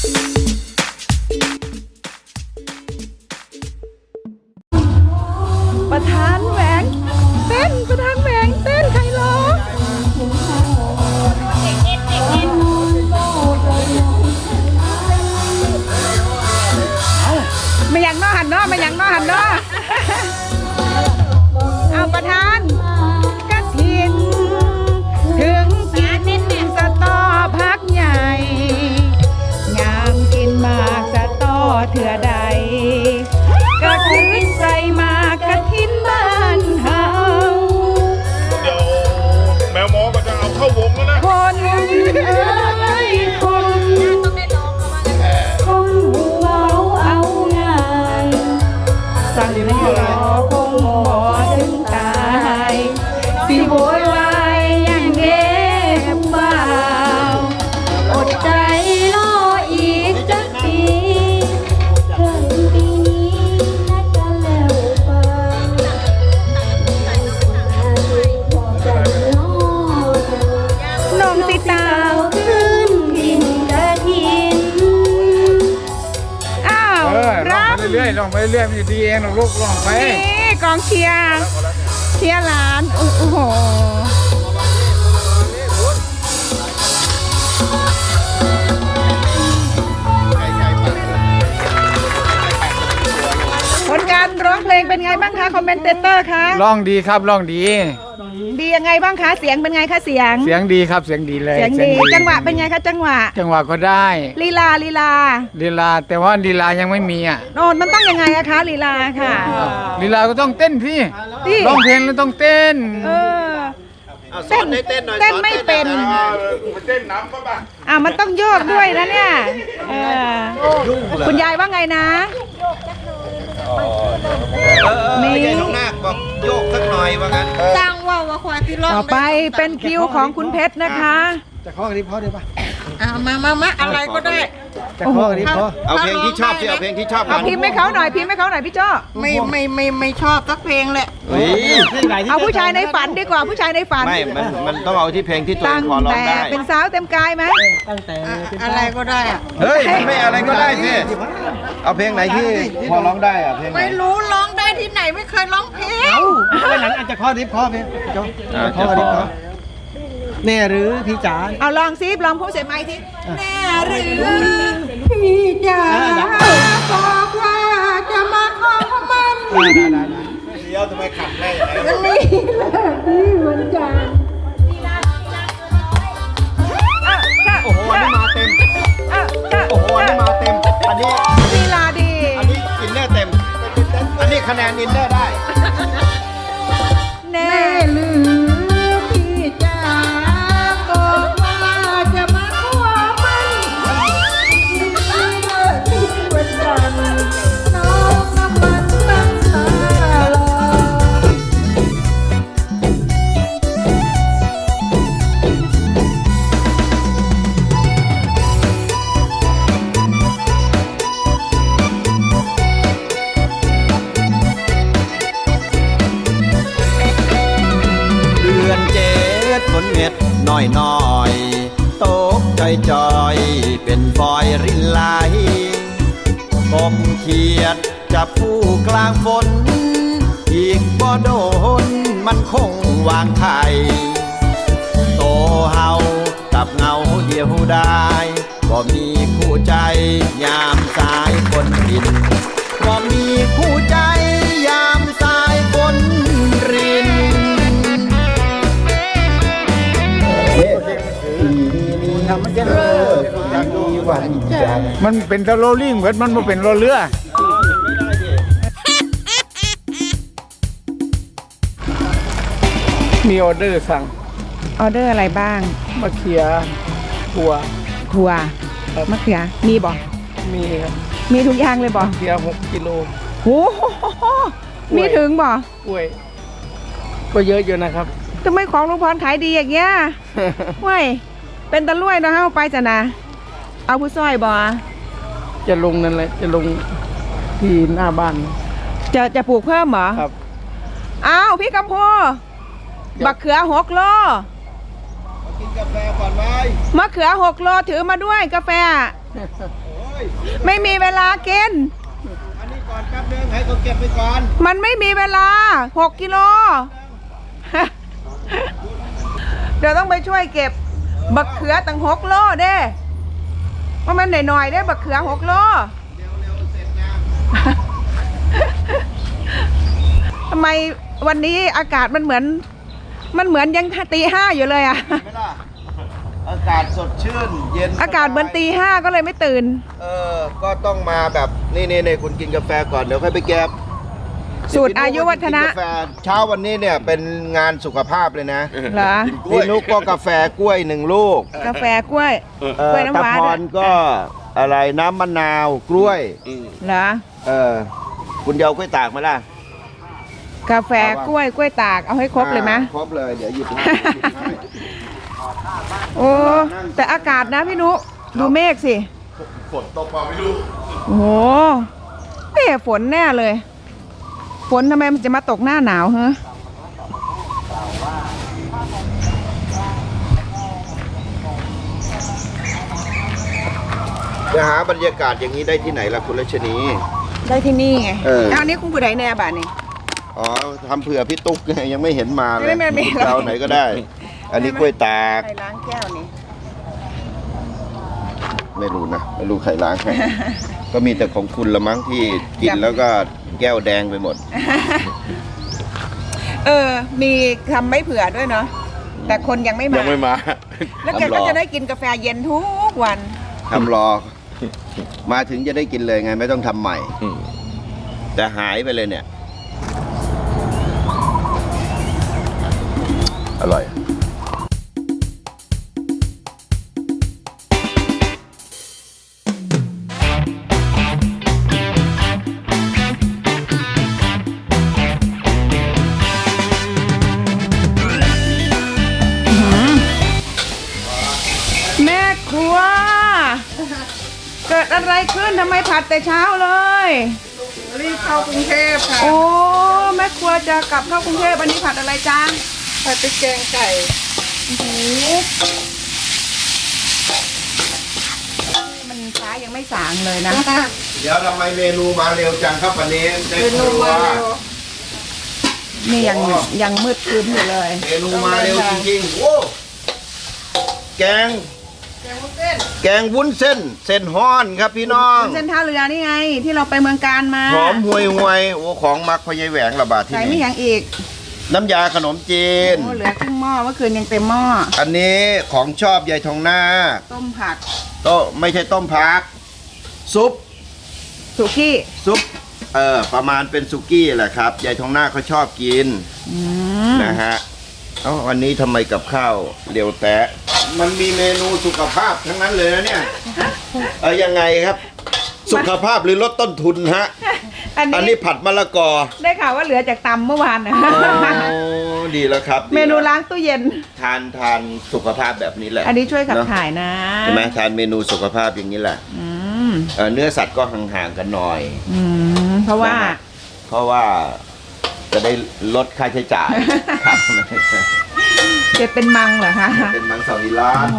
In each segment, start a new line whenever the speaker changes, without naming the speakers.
ประธานแหวงเต้นประธานแหวงเต้นใครร้องไม่อยากน้อหันน้อไม่อยากน้อหันน้อเอาประธานกระถินถึงกินสตอพักใหญ่งามกินมากสตอเถื่อใดก็ถือใส่มากระถินบ้านเฮา
เดี๋ยวแมวหมอก็จะเอาเข้าวงแล้วนะ
คนคนหัวเอาง่ายสั่งให้รอคงบ่ถึงตายสิโวยวายอย่างเด็บบ่าวอดใจรออีกจักปีเกินปีนี้น่าจะแล้วไปน้องติดตามขึ้นดินกระถินอ้าวร้อง
ไปเรื่อยๆลองไปเรื่อยๆมันจะดีเองลูกลองไป
นี่กองเชียร์หลานโอ้โหผลการร้องเพลงเป็นไงบ้างคะคอมเมนเตอร์คะ
ร้องดีครับร้องดี
ดียังไงบ้างคะเสียงเป็นไงคะเสียง
ดีครับเสียงดีเลย
เสียงดีจังหวะเป็นไงคะจังหวะ
ก็ได้
ลีลา
แต่ว่าลีลายังไม่มีอ่ะ
โน่นมันต้องยังไงอะคะลีลาค่ะ
ลีลาก็ต้องเต้นพี่ร้องเพลงแล้วต้องเต้น
เต้นไม่เป็น
เต้นน้ำก็บ้า
มันต้องโยกด้วยนะเนี่ยคุณยายว่าไงนะ
นี่น้องนาคบอกโยกสักหน่อยว่างั้น
จ้างว่าควายที่ร้อง
ต่อไปเป็นคิวของคุณเพชรนะคะ
จะข้อกันนี้พอได้ปะ
มาอะไรก็ได้
จะข้อกันนี้พอ
เอาเพลงที่ชอบสิเอาเพลงที่ชอบ
เอาพิมพ์ให้เขาหน่อยพี่โจ้
ไม่ชอบสักเพลงแหละ
เอาผู้ชายในฝันดีกว่าผู้ชายในฝัน
ไม่มันต้องเอาที่เพลงที่ตัวเองพอร้องได้
เป็นสาวเต็มกายไหม
ตั้งแต่อะไรก็ได้อะ
เฮ้ยไม่อะไรก็ได้สิเอาเพลงไหนที่พอร้องได้อะเพลง
ไม่รู้ร้องได้ที่ไหนไม่เคยร้องเพลง
หลังอาจจะข้อนี้พอเพลงโจ้ข้อนี้พอแน่หรือพี่จ๋า
เอาลองซิลองพูดเสียงไม้สิแน่หรือพี่จ๋า
บอกว่าจะมาขอมัน
เดี๋ยวทำไมขัดได้
มันนี่วันจันทร์
โอ้โหอันนี้มาเต็มโอ้โหอันนี้มาเต็มอันนี้
ลีลาดี
อันนี้อินเนอร์เต็มอันนี้คะแนนอินเนอร์ได้
แน่หรือ
ฝนเม็ดน้อยตกจอยเป็นฟอยรินไหลกบเขียดจับผู้กลางฝนอีกบ่โดนมันคงวางไข่โตเฮากับเงาเดียวได้บ่มีคู่ใจยามสายคนดินบ่มีคู่ใจยามสายคนริน
มันเป็นตะโลลิ่งเหมือนมันไม่เป็นโรเรือมีออเดอร์สั่ง
ออเดอร์อะไรบ้าง
มะเขือถั่ว
มะเขือมีบ่
มีครับ
มีทุกอย่างเลยบ่
มะเขือ6 กิโล
โอ้โหมีถึงบ่
กล้วยก็เยอะอยู่นะครับ
ทำไมของลุงพรขายดีอย่างเงี้ยเว้ยเป็นตะลุ่ยนะฮะไปจ้ะนะเอาผู้ซอยบ่
จะลงนั่นแหละจะลงที่หน้าบ้าน
จะปลูกเพิ่มเหรอ
ครับ
อ้าวพี่กำพูบักเขือ6 โล
กินกาแฟก่อนไหม
มะเขือ6 โลถือมาด้วยกาแฟไม่มีเวลากิน
อันนี้ก่อนแป๊บนึงให้เขาเก็บไปก่อน
มันไม่มีเวลา6 กิโล เดี๋ยวต้องไปช่วยเก็บบักเขือตั้ง6 โลเด้ว่ามันหน่อยๆได้บักเขือ6 โล ทำไมวันนี้อากาศมันเหมือนยังตี 5อยู่เลยอะ
ไม่ล่ะอากาศสดชื่นเย็น
อากาศเหมือนตี 5ก็เลยไม่ตื่น
ก็ต้องมาแบบนี่คุณกินกาแฟก่อนเดี๋ยวค่อยไปแก็บ
สูตรอายุวัฒนะ
กิกาแฟเช้าวันนี้เนี่ยเป็นงานสุขภาพเลยนะ
เหรอ
พี่นุกก็กาแฟกล้วย1 ลูก
กาแฟกล้วยกล้วยน้ำ
ตะ
ว้า
พรก็อะไรน้ำมะนาวกล้วย
เหรอ
คุณเดียวกล้วยตากมาล่ะ
กาแฟกล้วยตากเอาให้ครบเลยไหม
ครบเลยเดี๋ยวหยิบให้
โอ้แต่อากาศนะพี่นุดูเมฆสิ
ฝนตกมาไม่รู้
โอ้โหไม่เห็นฝนแน่เลย ฝนทำไมมันจะมาตกหน้าหนาวฮะ
จะหาบรรยากาศอย่างนี้ได้ที่ไหนล่ะคุณรัชนี
ได้ที่นี่ไง
อั
นนี้คุณผู้ใดแน่บ้านนี่
อ๋อทำเผื่อพี่ตุ๊กไงยังไม่เห็นมาเลย
ไม่มี
เราไหนก็ได้ อันนี้กล้วยตาก
ใครล้างแก้วนี่
ไม่รู้นะไม่รู้ใครล้าง ให้ ก็มีแต่ของคุณละมั้งที่กินแล้วก็แก้วแดงไปหมด
มีทำไม่เผื่อด้วยเนาะแต่คนยังไม่มา
ยังไม่มา
แล้วแกก็จะได้กินกาแฟเย็นทุกวัน
ทำรอ มาถึงจะได้กินเลยไงไม่ต้องทำใหม่ แต่หายไปเลยเนี่ย อร่อย
แม่ครัว เกิดอะไรขึ้นทำไมผัดแต่เช้าเลย
รีบเข้ากรุงเทพค่ะ
โอ้แม่ครัวจะกลับเข้ากรุงเทพวันนี้ผัดอะไรจ้า
ผัดพริกแกงไก่
โอ้โหมันฟ้ายังไม่สางเลยนะ
เดี๋ยวทำไมเมนูมาเร็วจังครับวันนี้ได้
เป็น
ค
ล
รั
ง
ว
มาเร็ว
นี่ยังมืดครึ้มอยู่เลย
เมนูมาเร็วจริงๆโอ้แกง แกงวุ้นเส้น เส้นฮ้อนครับพี่น้อง
เส้นท่าเรือนี่ไง ที่เราไปเมืองการมา
หอมห่วยห่วยโอ้ของมักพะยายแหวงระบาดที่
ใส่ไม่
นี่
ยังอีก
น้ำยาขนมจีน
โอ้เหลือครึ่งหม้อเมื่อคืนยังเต็มหม้อ
อันนี้ของชอบยายทองนาค
ต้มผัก
โต๊ะไม่ใช่ต้มผัก ซุป
สุกี้
ซุปประมาณเป็นสุกี้แหละครับยายทองนาคเขาชอบกิน
อืม
นะฮะวันนี้ทำไมกับข้าวเร็วแตะมันมีเมนูสุขภาพทั้งนั้นเลยนะเนี่ยยังไงครับ สุขภาพหรือลดต้นทุนฮะ
อัน
อัน
นี้
นี้ผัดมะละกอ
ได้ข่าวว่าเหลือจากตำเมื่อวานนะ
โอ้ดีแล้วครับ
เมนูล้างตู้เย็น
ทานสุขภาพแบบนี้แหละ
อันนี้ช่วยขับ
เนอะ
ถ่ายนะ
ใช่ไหมทานเมนูสุขภาพอย่างนี้แหละ
อืม
เนื้อสัตว์ก็ห่างๆกันหน่อย
เพราะว่า
นะฮะ เพราะว่าจะได้ลดค่าใช้จ่ายครับ
จะเป็นมังเหรอคะ
เป็นมังสวิรัต
โอ้โห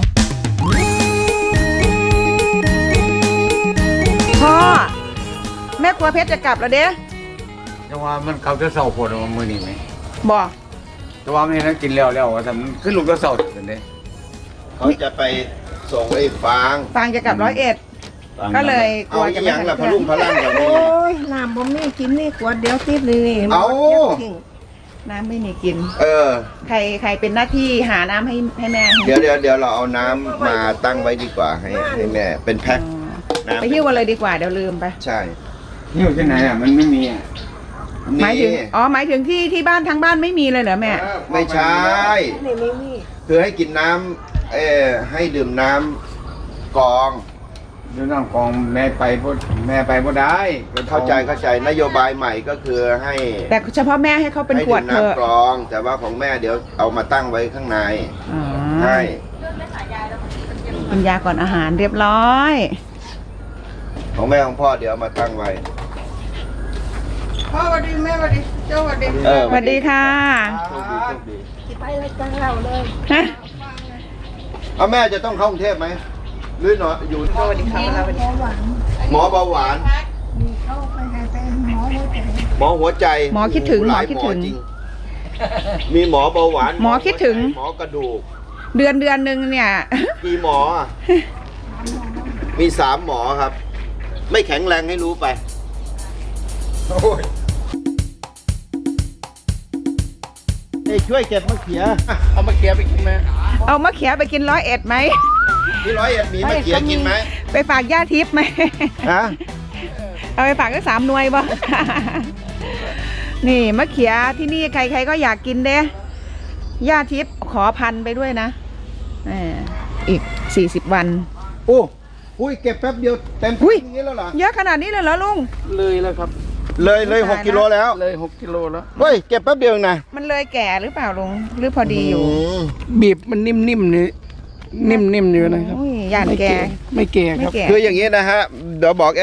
พ่อแม่ครัวเพชรจะกลับแล้วเด้
แต่ว่ามันเขาจะเศร้าปวดมือนี่ไหม
บอก
แต่ว่าไม่นั้นกินแล้วว่าทำขึ้นลูกก็เศร้าเป็นเด้
เขาจะไปส่งไอ้ฟาง
ฟางจะกลับ101 ก็เลยกลัวจะไม่
ยัง
ทัน
ละพลุ่งพลังอย่างนี้
โอ้ยน้ำบ่มีกินนี่ขวดเดียวติดเลยนี่
เอา
หมดเดี๋ยวทิ้ง
น้ำไม่มีกิน ใครเป็นหน้าที่หาน้ำให้แม่
เดี๋ยวเราเอาน้ำมาตั้งไว้ดีกว่าให้แม่เป็นแพ็ค
อ๋อไปหิ้วกันเลยดีกว่าเดี๋ยวลืมไป
ใช่
นี่อยู่ที่ไหนอ่ะมันไม่มีอ่ะ
หมายถึงหมายถึงที่บ้านทั้งบ้านไม่มีเลยเหรอแม่
ไม่ใช่
นี่ไม่มี
คือให้กินน้ำให้ดื่มน้ำกรอง
เดี๋ยวน้องกองแม่ไปบ่ได้
เข้าใจนโยบายใหม่ก็คือให้
แต่เฉพาะแม่ให้เขาเป็น
ให้
ขว
ดื่
ด
ม
เถอะ
น้ำกรอง แต่ว่าของแม่เดี๋ยวเอามาตั้งไว้ข้างใน
อ๋อ
ให้
กินยาก่อนอาหารเรียบร้อย
ของแม่ของพ่อเดี๋ยวเอามาตั้งไว้
พ่อสวัสดีแม่สวัสดีเจ้าสวัสดี
สวัสดีค่ะ
ไปรายการเราเลย
ฮะ
เอาแม่จะต้องเข้ากรุงเทพไหมหรือหนออยู่
สวัสดีครับสวัสดีครับ
หมอเบาหวาน หมอหัวใจ
หมอคิดถึง
หลาย
หมอคิดถึง
จริมีหมอเบาหวาน
หมอคิดถึง
หมอกระดูก
เดือนหนึ่งเนี่ย
กี่หมออะมี3 หมอครับ ไม่แข็งแรงให้รู้ไปช่วยเก็บมะเขือ
เอามาเกียไปกินไหม
เอามะเขือไปกิน101ไหม
ที่101มีมะเขือกินไหม
ไปฝากย่าทิพย์ไหม
ฮะ
เอาไปฝากก็3 หน่วยบ่ นี่มะเขือที่นี่ใครๆก็อยากกินเด้ย่าทิพย์ขอพันไปด้วยนะอีก40 วัน
โอ้อุ้ยเก็บแป๊บเดียวเต็ม
อุ้ย
อย่างนี้แล้วเหรอ
เยอะขนาดนี้เลยเหรอลุง
เลยแล้วครับ
เลย6 กิโลแล้ว
เลย6 กิโลแล้ว
เฮ้ยเก็บแป๊บเดียวเองนะ
มันเลยแก่หรือเปล่าลุงหรือพอดีอยู่
ม
บีบมันนิ่มๆนี่นิ่มๆอยู่นะครับ
อุ้ยย่าน
ไม่
แก่
ไม่แก่ค
ไม่
รับ
แก่
คืออย่างนี้นะฮะเดี๋ยวบอก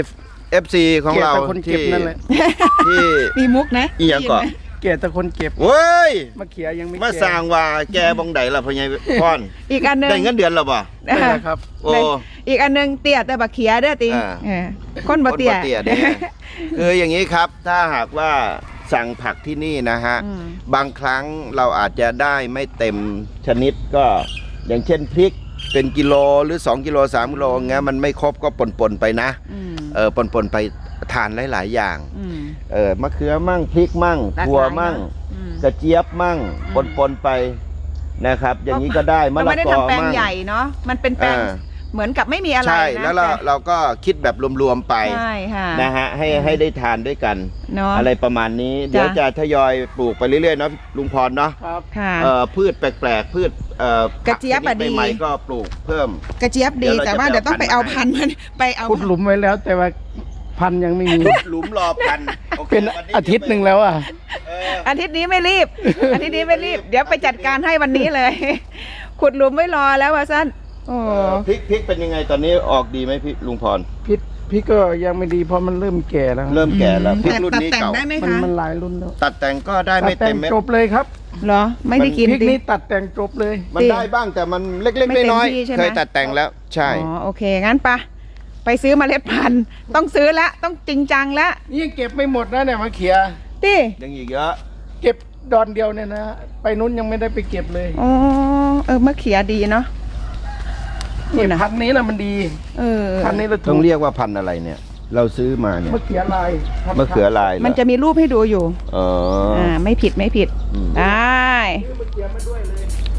FC ของเรา
แก่แต่คนเก็บนั่นแหละ
ที่
มีมุกนะ
อีหยังก่อน
แก่แต่คนเก็บ
เว้ย
มะเขือยังไม่
มา
แก่
สร้างว่าแกบองไดล่ะพ่อใหญ่พร
อีกอันหนึง
ได้เงินเดือนแล้วบ่
ได้แล้วครับ
โอ้
อีกอันหนึงเตี้ยแต่บักเขียเด้อติ
อ่า
คนบ่เตี้ย
คนเนี่ยคืออย่างนี้ครับ ถ้าหากว่าสั่งผักที่นี่นะฮะ
อืม
บางครั้งเราอาจจะได้ไม่เต็มชนิดก็อย่างเช่นพริกเป็นกิโลหรือ2 กิโล3 กิโลเงี้ยมันไม่ครบก็ปนๆไปนะ
อืม
ปนๆไปทานหลายๆอย่าง
อืม
มะเขือมั่งพริกมั่ง
หลากหลาย
ถั่วมั่ง
อืม
กระเจี๊ยบมั่ง
อืม
ปนๆไปนะครับ อย่างนี้ก็ได้มะ
มัน
ละ
ไม่ได้
กอ
ทำแปลง
มั่ง
ใหญ่เนาะมันเป็นแปลง
อ่า
เหมือนกับไม่มีอะไร
ใช่
นะ
แล้วเราก็คิดแบบรวมๆไป
ใช่ค่ะ
นะฮะให้ได้ทานด้วยกัน
เนาะ
อะไรประมาณนี้ เดี๋ยวจะทยอยปลูกไปเรื่อยๆเนาะลุงพรเนาะ
ครับ
ค่ะ
พืชแปลกๆพืช
กระเจี๊ยบอะดี
ใหม่ๆก็ปลูกเพิ่ม
กระเจี๊ยบดี
เดี๋ยวเรา
แต่ว่า
จะ
เดี๋ยวต้อง
ไป
ไป
เอา
เอา
พั
พัน
นธุ์
ธุ์มันไปเอา
ขุดหลุมไว้แล้วแต่ว่าพันธุ์ยังไม่มี
หลุมรอพันธุ์โอค
เป็น
วันนี้
อาทิตย์หนึ่งแล้วอ่ะ
เออ
อาทิตย์นี้ไม่รีบ อาทิตย์นี้ไม่รีบ เดี๋ยวไปจัดการให้วันนี้เลย ขุดหลุมไม่รอแล้วว่าสั้นโอ้
พริกเป็นยังไงตอนนี้ออกดีไหมพี่ลุงพร
พี่ก็ยังไม่ดีเพราะมันเริ่มแก่แล้ว
เริ่มแก่แล้วพริกรุ่น
ตัด
นี้
แต่ง
เก่า
ได้ไหม
มัน
คะ
มันหลายรุ่นแล้ว
ตัดแต่งก็ได้ไม่
ตัดแต่
เต็
ง
มเม็ด
จบเลยครับ
เหรอ ไม่ได้กิน
พริก
ดิ
นี้ตัดแต่งจบเลย
มันได้บ้างแต่มันเล็ก
ไม่เต็ม
ๆน้อย
ที่ใช่ไหม
ๆเคยตัดแต่งแล้วใช่
อ๋อโอเคงั้นไปซื้อเมล็ดพันธุ์ต้องซื้อละต้องจริงจังละ
นี่ยังเก็บไม่หมดนะเนี่ยมะเขือ
ติ
ยังอีกเยอะ
เก็บดอนเดียวเนี่ยนะไปนู้นยังไม่ได้ไปเก็บเลย
อ๋อมะเขือดีเนาะ
นี่
นะ
พันธุ์นี้นะมันดี
เออ
พันธุ์นี้เรา
ต้องเรียกว่าพันธุ์อะไรเนี่ย เราซื้อมาเนี่ย
มะเขือลายพันธุ์
มะเขือลายเหรอ
มันจะมีรูปให้ดูอยู่
อ๋ออ
ไม่ผิดไม่ผิด
อืม
ได้
ซื้อมะเขือมาด้วยเลย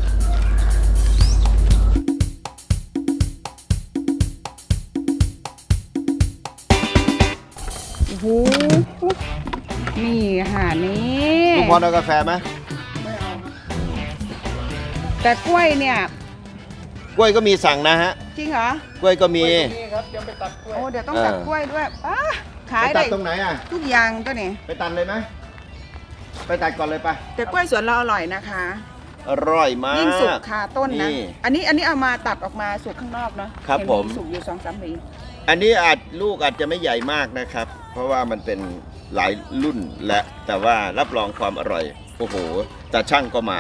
โอ้โหนี่ค่ะนี่
ลุงพรเอากาแฟไหม
แต่กล้วยเนี่ย
กล้วยก็มีสั่งนะฮะ
จริงเหรอก
ล้วยก็มี
นี่ครับเดี๋ยวไปตัดกล้วย
โอ้เดี๋ยวต้องตัดกล้วยด้วยขาย
ไปตั
ได้
ดตรงไหนอ่ะ
ทุกอย่างตัวนี้
ไปตัดเลยไหมไปตัดก่อนเลยปะ
แต่กล้วยสวนเราอร่อยนะคะ
อร่อยมาก
ยิ่งสุกคาต้นนะ
นี่
อันนี้เอามาตัดออกมาสุกข้างนอกเนาะ
ครับ
เห็น
ผม
สุกอยู่2-3หวี
อันนี้ลูกอาจจะไม่ใหญ่มากนะครับ เพราะว่ามันเป็นหลายรุ่นและแต่ว่ารับรองความอร่อย โอ้โหแต่ช่างก็มา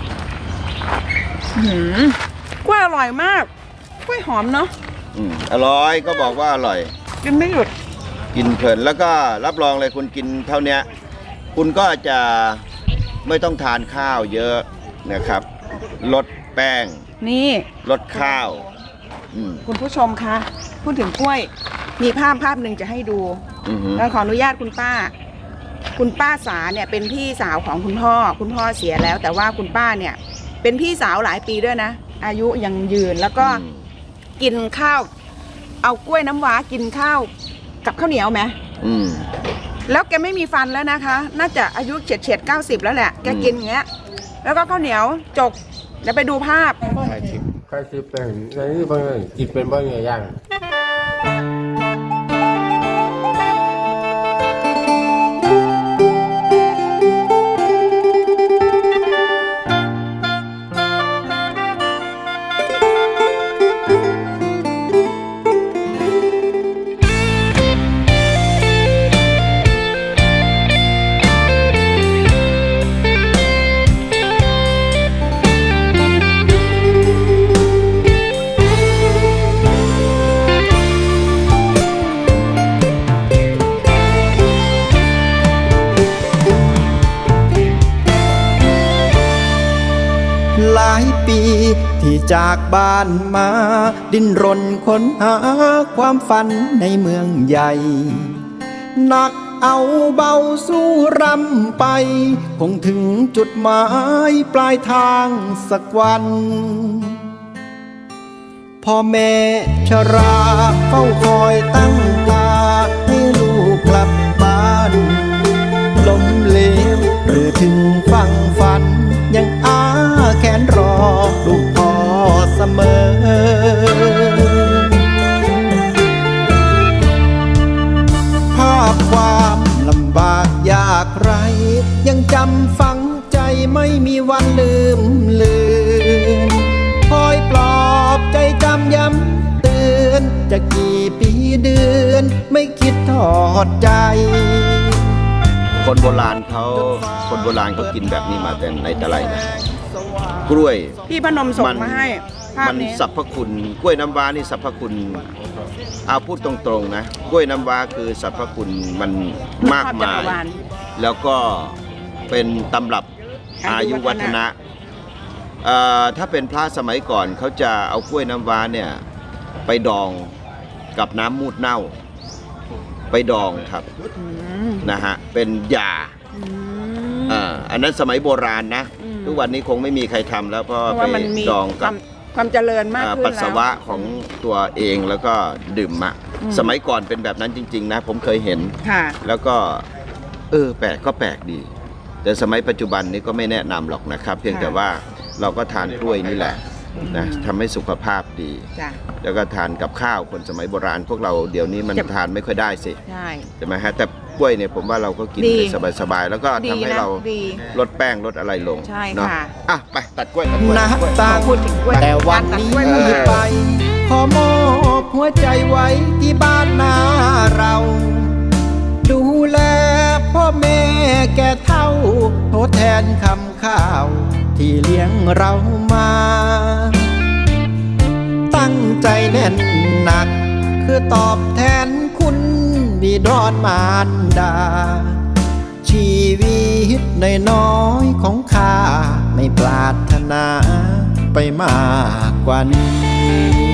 กล้วยอร่อยมากกล้วยหอมเนาะ
อร่อยก็บอกว่าอร่อย
กินไม่หยุด
กินเพลินแล้วก็รับรองเลยคุณกินเท่านี้คุณก็จะไม่ต้องทานข้าวเยอะนะครับลดแป้ง
นี่
ลดข้าวอืม
คุณผู้ชมคะพูดถึงกล้วย มีภาพหนึ่งจะให้ดู
อือหือ
เราขออนุญาตคุณป้าสาเนี่ยเป็นพี่สาวของคุณพ่อเสียแล้ว แต่ว่าคุณป้าเนี่ยเป็นพี่สาวหลายปีด้วยนะ อายุยังยืนแล้วก็กินข้าว เอากล้วยน้ำว้ากินข้าวกับข้าวเหนียวไหม
อืม
แล้วแกไม่มีฟันแล้วนะคะ น่าจะอายุเฉียด90 แล้วแหละแกกินอย่างเงี้ยแล้วก็ข้าวเหนียวจกเดี๋ยวไปดูภาพ
ใครซื้อแป้งในนี้บางอย่างกินเป็นบางอย่าง
ปีที่จากบ้านมาดิ้นรนค้นหาความฝันในเมืองใหญ่หนักเอาเบาสู้รำไปคงถึงจุดหมายปลายทางสักวันพ่อแม่ชราเฝ้าคอยตั้งตาให้ลูกกลับบ้านล้มเหลวหรือถึงฝั่งฝันยังอ้าแขนรอลูกพ่อเสมอภาพความลำบากยากไรยังจำฝังใจไม่มีวันลืมเลือนคอยปลอบใจจำย้ำเตือนจะกี่ปีเดือนไม่คิดทอดใจคนโบราณเขากินแบบนี้มาแต่ไหนแต่ไรนะกล้วย
พี่พนมส่งมาให้ภาพ
มัน
นี้
สรรพคุณกล้วยน้ำว้านี่สรรพคุณเอาพูดตรงๆนะกล้วยน้ำว้าคือสรรพคุณมันมากมายแล้วก็เป็นตำรับอายุวัฒนะถ้าเป็นพระสมัยก่อนเขาจะเอากล้วยน้ำว้าเนี่ยไปดองกับน้ำมูดเน่าไปดองครับนะฮะเป็นยาอันนั้นสมัยโบราณนะทุกวันนี้คงไม่มีใครทำแล้วเพราะไปดองกับ
ความเจริญมากขึ้นแล้ว
ปัสสาวะของตัวเองแล้วก็ดื่มสมัยก่อนเป็นแบบนั้นจริงๆนะผมเคยเห็นแล้วก็แปลกก็แปลกดีแต่สมัยปัจจุบันนี้ก็ไม่แนะนำหรอกนะครับเพียงแต่ว่าเราก็ทานกล้วยนี่แหละนะทำให้สุขภาพดีแล้วก็ทานกับข้าวคนสมัยโบราณพวกเราเดี๋ยวนี้มันทานไม่ค่อยได้สิใช่ไหมฮะแต่กล้วยเนี่ยผมว่าเราก็กินสบายๆแล้วก็ทำให้เราลดแป้งลดอะไรลงเนาะไปตัดกล้วยนะตาพูดถึงกล้วยแต่วันนี้ไปขอมอบหัวใจไว้ที่บ้านนาเราดูแลพ่อแม่แก่เฒ่าทดแทนคำข้าวที่เลี้ยงเรามาตั้งใจแน่นหนักคือตอบแทนคุณบิดรมารดาชีวิตน้อยๆของข้าไม่ปรารถนาไปมากกว่านี้